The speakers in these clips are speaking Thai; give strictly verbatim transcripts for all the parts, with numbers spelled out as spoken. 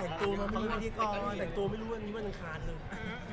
แต่งตัวมาไม่รู้พิธีกรแต่งตัวไม่รู้วันนี้วันอังคารเลย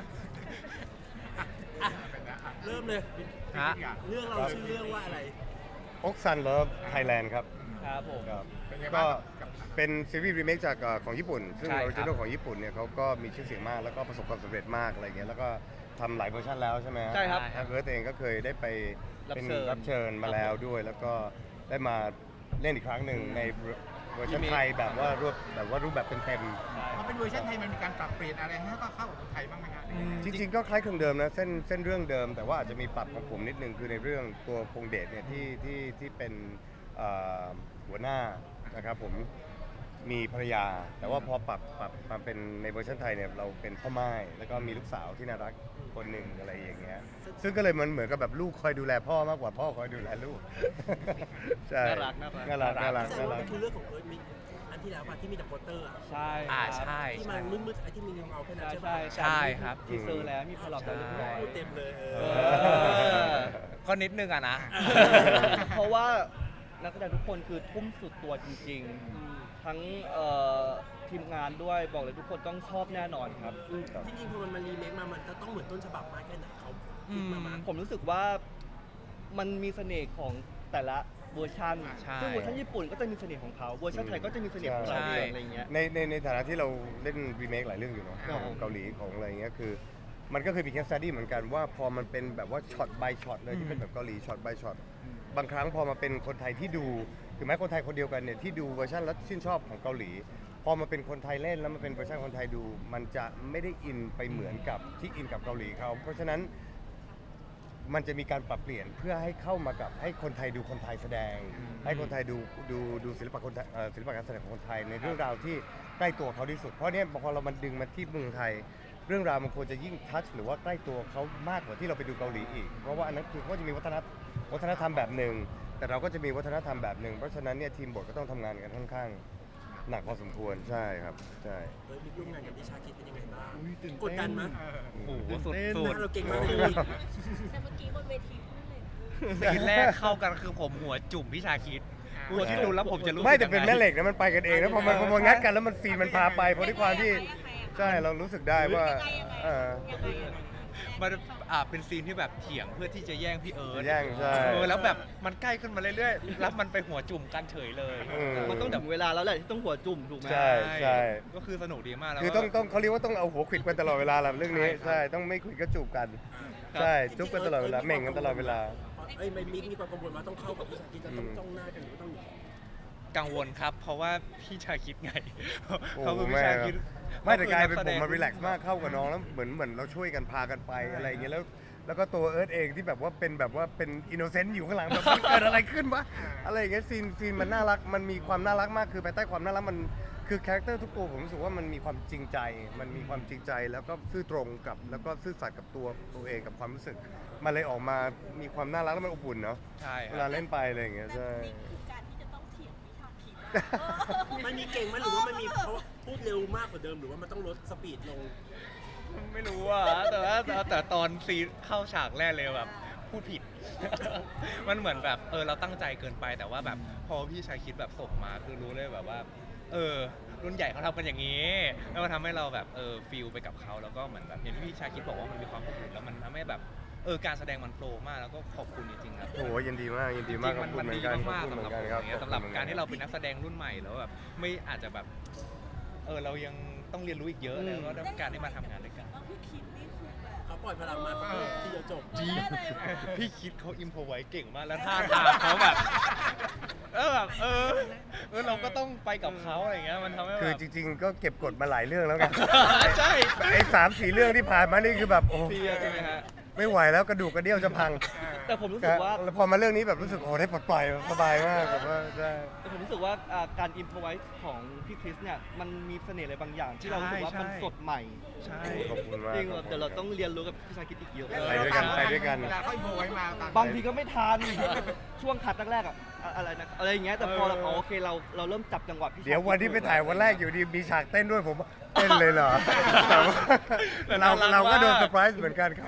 อ่ะเริ่มเลยฮะเรื่องเราชื่อเรื่องว่าอะไรอกซันเลิฟไทยแลนด์ครับครับผมครับเป็นไงก็บ้างกับเป็นซีรีส์รีเมคจากเอ่อของญี่ปุ่น ซึ่งใช่อครับอริจินอลของญี่ปุ่นเนี่ยเขาก็มีชื่อเสียงมากแล้วก็ประสบความสำเร็จมากอะไรเงี้ยแล้วก็ทำหลายเวอร์ชันแล้วใช่ไหมฮะใช่ครับทางเอิร์ธเองก็เคยได้ไปเป็นรับเชิญรับเชิญมาแล้วด้วย แล้วก็ได้มาเล่นอีกครั้งหนึ่งในเวอร์ชันไทยแบบว่ารวบแบบว่ารูปแบบเต็มๆพอเป็นเวอร์ชันไทยมันมีการปรับเปลี่ยนอะไรให้ก็เข้ากับคนไทยบ้างไหมฮะจริงๆก็คล้ายคลึงเดิมนะเส้นเส้นเรื่องเดิม แต่ว่าอาจจะมีปรับของผมนิดนึงคือในเรื่องตัวพงเดชเนี่ยที่ที่ที่เป็นเอ่อหัวหน้านะครับผมมีภรรยา แต่ว่าพอปรับปรับมาเป็นในเวอร์ชันไทยเนี่ยเราเป็นพ่อไม้แล้วก็มีลูกสาวที่น่ารักคนหนึ่งอะไรอย่างเงี้ยซึ่งก็เลยมันเหมือนกับแบบลูกคอยดูแลพ่อมากกว่าพ่อคอยดูแลลูก ใช่น่ารักน่ารักน่ารักน่ารักแสดน่างว่ารัมักนคือเรื่องของเอิร์ธมิกอันที่แล้วป่ะที่มีแต่โปสเตอร์อะใช่อ่าครับใช่ที่มันมืดๆไอ้ที่มีเงาๆแค่นั้นใช่ใช่ใช่ป่ะใช่ครับทีเซอร์แล้วมีพลอตแล้วเรียบร้อยพูดเต็มเลยเอเอออก็นิดนึงอะนะเพราะว่านักแสดงทุกคนคือทุ่มสุดตัวจริงๆ ทั้งเอ่อทีมงานด้วยบอกเลยทุกคนต้องชอบแน่นอนครับอืมที่จริงพอมันมารีเมคมา มันจะต้องเหมือนต้นฉบับมากแค่ไหนเขาคิดมามาผมรู้สึกว่ามันมีเสน่ห์ของแต่ละเวอร์ชันใช่ซึ่งเวอร์ชันญี่ปุ่นก็จะมีเสน่ห์ของเขาเวอร์ชันไทยก็จะมีเสน่ห์ของเราใช่เองอะไรเงี้ยในในในฐานะที่เราเล่นรีเมคหลายเรื่องอยู่เนาะครับของเกาหลีของอะไรเงี้ยคือ มันก็เคยมีแคสต์ดี้เหมือนกันว่าพอมันเป็นแบบว่าช็อต by ช็อตเลยที่เป็นแบบเกาหลีช็อต by ช็อตบางครั้งพอมาเป็นคนไทยที่ดูถึงแม้คนไทยคนเดียวกันเนี่ยที่ดูเวอร์ชันแล้วชื่นชอบของเกาหลี พอมาเป็นคนไทยเล่นแล้วมาเป็นเวอร์ชันคนไทยดู มันจะไม่ได้อินไปเหมือนกับที่อินกับเกาหลีเขาเพราะฉะนั้น มันจะมีการปรับเปลี่ยนเพื่อให้เข้ามากับให้คนไทยดูคนไทยแสดง ให้คนไทยดูดูดูศิลปะคนไทยเอ่อศิลปะการแสดงของคนไทยในเรื่องราวที่ใกล้ตัวเขาที่สุดเพราะเนี่ยพอเรามันดึงมาที่เมืองไทย เรื่องราวมันควรจะยิ่งทัชหรือว่าใกล้ตัวเขามากกว่าที่เราไปดูเกาหลีอีก เพราะว่าอันนั้นคือเขาจะมีวัฒนธรรมวัฒนธรรมแบบหนึ่งแต่เราก็จะมีวัฒนธรรมแบบหนึ่งเพราะฉะนั้นเนี่ยทีมบทก็ต้องทำงานกันค่อนข้างหนักพอสมควรใช่ครับใช่เอิร์ธมิกร่วมงานกับดิชาคิดเป็นยังไงบ้างอุ๊ยตื่นเต้นกดดันมั้ยโอ้โหสุดเต้นสุหดน้าเราเก่งมากเลยแต่เมื่อกี้บนเวทีพูดเลยซีนแรกเข้ากันคือผมหัวจุ่มพี่ชาคิดหัวที่ดูแล้วผมจะรู้สึกไม่แต่เป็นยังไงแม่เหล็กนะมันไปกันเองนะพอมันพอมันงัดกันแล้วมันซีนมันพาไปเพราะด้วยความที่ยังไงอะใช่เรารู้สึกได้ว่ายังไงยังไงเออยังไงยังไงมันอ่าเป็นซีนที่แบบเถียงเพื่อที่จะแย่งพี่เอิร์ธแย่งใช่เออแล้วแบบมันใกล้ขึ้นมาเรื่อยๆแล้วมันไปหัวจุ่มกันเฉยเลยอืมมันต้องถึงเวลาแล้วแหละที่ต้องหัวจุ่มถูกไหมใช่ใช่ก็คือสนุกดีมากแล้วคือต้องต้องเขาเรียกว่าต้องเอาหัวขวิดกันตลอดเวลาแหละเรื่องนี้ใช่ใช่ต้องไม่ขวิดก็จูบกัน ใช่จุ๊บกันตลอดเวลาเหม่งกันตลอดเวลาเอ้ยไม่มิกมีความกังวลว่าต้องเข้ากับดิชาคิดจะต้องจ้องหน้ากันหรือว่าต้องกังวลครับ เพราะว่าพี่ชาคิดไงโอ้เขาคือพี่แม่ชาครับคิดไม่แต่กลายเป็นขผมคือมันรีแลกซ์มากเข้ากับน้องแล้วเหมือนเหมือนเราช่วยกันพากันไปอะไรอย่างเงี้ยแล้วแล้วก็ตัวเอิร์ธเองที่แบบว่าเป็นแบบว่าเป็นอินโนเซนต์อยู่ข้างหลังแบบมันเกิดอะไรขึ้นวะอะไรอย่างเงี้ยซีนซีนมันน่ารักมันมีความน่ารักมากคือภายใต้ความน่ารักมันคือคาแรคเตอร์ทุกตัวผมรู้สึกว่ามันมีความจริงใจ มันมีความจริงใจแล้วก็ซื่อตรงกับแล้วก็ซื่อสัตย์กับตัวตัวเองกับความรู้สึก มันเลยออกมามีความน่ารักแล้วมันอบอุ่นเนาะใช่คเวรัลาบเล่นไปอะไรอย่างเงี้ยแต่ใช่นี่คือการที่จะต้องเถียงวิชาผิดมันมีเก่งไหมหรือว่ามันมีเพราะว่าพูดเร็วมากกว่าเดิมหรือว่ามันต้องลดสปีดลงไม่รู้อ่ะแต่ว่าแต่แต่ตอนซีนเข้าฉากแรกเลยแบบพูดผิด มันเหมือนแบบเออเราตั้งใจเกินไปแต่ว่าแบบพอพี่ชายคิดแบบส่งมาคือรู้เลยแบบว่า เออ รุ่นใหญ่เขาทำกันอย่างนี้แล้วมันทำให้เราแบบเออฟีลไปกับเขาแล้วก็เหมือนแบบอย่างที่พี่ชายคิดบอกว่ามันมีความอบอุ่นแล้วมันทำให้แบบเออการแสดงมันโฟล์มากแล้วก็ขอบคุณจริงๆครับโอ้โหยินดีมากยินจดีริงมากๆขอมับนคุณมันเหมือดีนกันขอบมากคุณๆเหมืสำอหรับนผกันมครับอย่างเงี้ยสำหรับขอณการที่เราเป็นหมืนัอกแสดงรุ่นใหม่แล้วแบบไม่อาจจะแบบเออเรายังต้องเรียนรู้อีกเยอะแล้วก็ต้องการที่มาทำงานด้วยกันแล้วพี่คิดนี่คือแบบเขาปล่อยพลังมาที่จะจบจริงเลยแบบพี่คิดเขาอิมพอไว้เก่งมากแล้วท่าทางเขาแบบเออแบบเออเออเราก็ต้องไปกับเขาอะไรเงี้ยมันทำให้คือแบบจริงๆ ก็เก็บกดมาหลายเรื่องแล้วกันใช่ไอ้สามสี่เรื่องที่ผ่านมานี่คือแบบโอ้เพลียใช่ไหมฮะไม่ไหวแล้วกระดูกกระเดี่ยวจะพังแต่ผมรู้สึกว่าแล้วพอมาเรื่องนี้แบบรู้สึกโอ้ได้ปลดปล่อยสบายมากแบบว่าใช่แต่ผมรู้สึกว่าอ่าการอินพอไว้ของพี่คริสเนี่ยมันมีเสน่ห์อะไรบางอย่าง ที่เรารู้สึกว่ามันสดใหม่ใช่ขอบคุณมากจริงแบบเดี๋ยวเราต้องเรียนรู้กับพี่ชายคิดอีกเยอะไปด้วยกันไปด้วยกันเวลาเขาอินโฟไว้มาตามบางทีก็ไม่ทัน ช่วงคัดแรกๆอะอะอะไรนะอะไรอย่างเงี้ยแต่พอเราอ๋อโอเคเราเราเริ่มจับจังหวะพี่ชายเดี๋ยววันที่ไปถ่ายวันแรกอยู่ดีมีฉากเต้นด้วยผมเต้นเลยเหรอแต่ว่าเราเราก็โดนเซอร์ไพรส์เหมือนกันเขา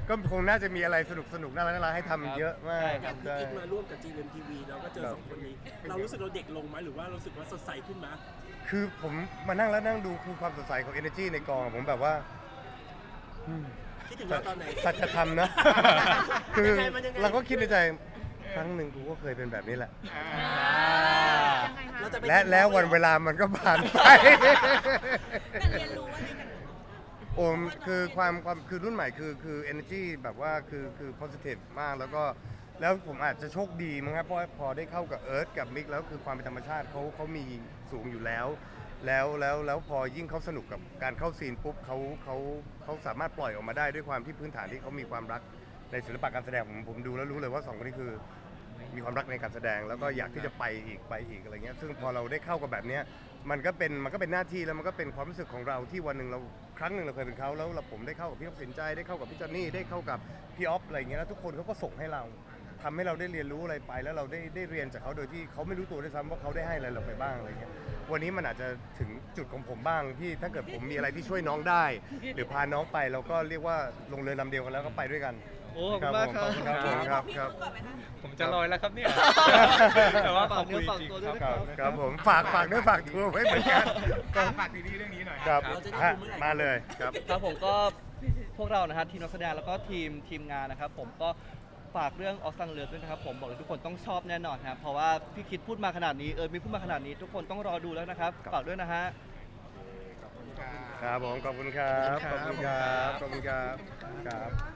ก็คงน่าจะมีอะไรสนุกสนุกๆน่ารักน่ารักให้ทำเยอะมากใช่อครัย่าบงพี่กิ๊กมาร่วมกับ จี เอ็ม ที วี เราก็เจอสองคนนี้ เรารู้สึกเราเด็กลงไหมหรือว่ารู้สึกว่าสดใสขึ้นไหมคือผมมานั่งแล้วนั่งดูคือความสดใสของ energy ในกองอะผมแบบว่าอืมคิดถึงเราตอนไหนสัจธรรมนะ คือยังไงมันยังไงเราก็คิดในใจครั้งหนึ่งกูก็เคยเป็นแบบนี้แหละยังไงคะเราจะไปและแล้ววันเวลามันก็ผ่านไปแต่เรียนรู้อะไรกันโอ้มคือความความคือรุ่นใหม่คือคือ energy แบบว่าคือคือ positive มากแล้วก็แล้วผมอาจจะโชคดีมั้งครับเพราะว่าพอได้เข้ากับเอิร์ธกับมิกแล้วคือความเป็นธรรมชาติเขาเขามีสูงอยู่แล้ว แล้วแล้วแล้วพอยิ่งเขาสนุกกับการเข้าซีนปุ๊บเขาเขาเขาสามารถปล่อยออกมาได้ด้วยความที่พื้นฐานที่เขามีความรักในศิลปะการแสดงผมผมดูแล้วรู้เลยว่าสองคนนี้คือมีความรักในการแสดง แล้วก็อยากที่จะไปอีกไปอีกอะไรเงี้ยซึ่งพอเราได้เข้ากับแบบเนี้ยมันก็เป็นมันก็เป็นหน้าที่แล้วมันก็เป็นความรู้สึกของเราที่วันหนึ่งเราครั้งหนึ่งเราเคยเป็นเขาแล้วเราผมได้เข้ากับพี่นกสินใจได้เข้ากับพี่จอนนี่ได้เข้ากับพี่ออฟอะไรเงี้ยแล้วทุกคนเขาก็ส่งให้เราทำให้เราได้เรียนรู้อะไรไป แล้วเราได้ได้เรียนจากเขาโดยที่เขาไม่รู้ตัวด้วยซ้ำว่าเขาได้ให้อะไรเราไปบ้างอะไรเงี้ยวันนี้มันอาจจะถึงจุดของผมบ้างที่ถ้าเกิดผมมีอะไรที่ช่วยน้องได้ หรือพาน้องไปเราก็เรียกว่าลงเรือลำเดียวกันแล้วก็ไปด้วยกันโอ้ขอบคุณมากครับครับผมครับครับพี่พูดก่อนไหมคะผมจะลอยแล้วครับเนี่ย แต่ว่าขอบคุณจริงๆครับครับครับผมฝากฝากด้วยฝากทัวร์ไว้เหมือนกันอ่ะฝากซีรีส์เรื่องนี้หน่อยครับเราจะได้ฮะดูเมื่อไหร่มาเลยครับครับผมก็พวกเรานะครับทีมนักแสดงแล้วก็ทีมทีมงานนะครับผมก็ฝากเรื่องออสซังเลิฟด้วยนะครับผมบอกเลยทุกคนต้องชอบแน่นอนครับเพราะว่าพี่คิดพูดมาขนาดนี้เออมีพูดมาขนาดนี้ทุกคนต้องรอดูแล้วนะครับฝากด้วยนะฮะครับผมขอบคุณครับขอบคุณครับขอบคุณครับครับ